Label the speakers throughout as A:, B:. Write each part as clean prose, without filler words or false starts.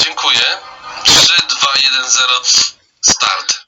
A: Dziękuję. 3, 2, 1, 0. Start.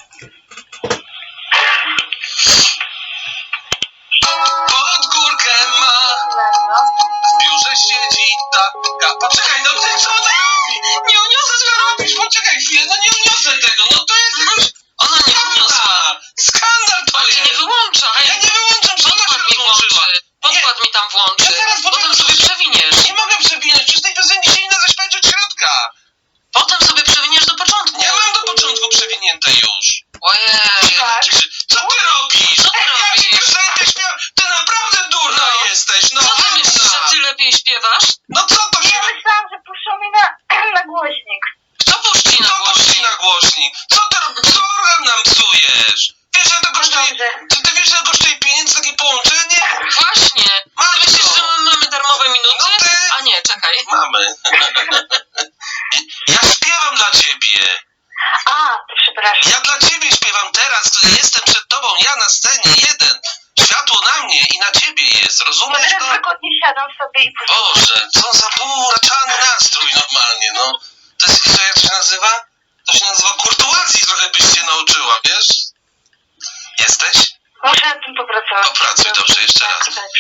A: Pod górkę ma, w biurze siedzi taka. Poczekaj, no ty co ona robi? Nie uniosę, co robisz? Poczekaj chwilę, no nie uniosę tego. No to jest jakiś...
B: Ona nie uniosła.
A: Skandal to
B: Ale
A: jest.
B: nie wyłączaj.
A: Ja nie wyłączam, że ona się
B: Podkład mi
A: rozłączyła.
B: włączy. Podkład mi tam włączy.
A: Ja zaraz
B: Potem sobie przewiniesz.
A: Nie mogę przewinąć, przecież tej piosenki się nie da zaśpiewać od środka.
B: Potem sobie przewiniesz do początku.
A: Ja mam do początku przewinięte już.
B: Ojej.
A: Co ty robisz?
B: Co ty
A: Ja ci
B: robisz?
A: piosenkę śpiewam. Ty naprawdę durna
B: No.
A: jesteś. No
B: Co ty myślisz, że ty lepiej śpiewasz?
A: No co to się...
C: Ja myślałam, że puszczą mi na głośnik.
B: Kto puści na
A: Co puści
B: głośnik?
A: na głośnik? Co ty robisz? Co nam psujesz? Wiesz, że to kosztuje...
C: dobrze.
A: Czy ty wiesz, że kosztuje pieniędzy takie połączenie?
B: Właśnie. Ty myślisz, że my mamy darmowe minuty?
A: No ty...
B: A nie, czekaj.
A: Mamy. Ja śpiewam dla ciebie.
C: A, to przepraszam.
A: Ja dla ciebie śpiewam teraz, jestem przed tobą, ja na scenie, jeden. Światło na mnie i na ciebie jest,
C: No
A: rozumiesz
C: teraz
A: to?
C: wygodnie siadam sobie i puszczam.
A: Boże, co za półraczany nastrój normalnie, no. To jest, co, jak to się nazywa? To się nazywa kurtuazji, trochę byś się nauczyła, wiesz? Jesteś?
C: Muszę nad tym popracować.
A: Popracuj, dobrze, jeszcze raz.
C: Tak.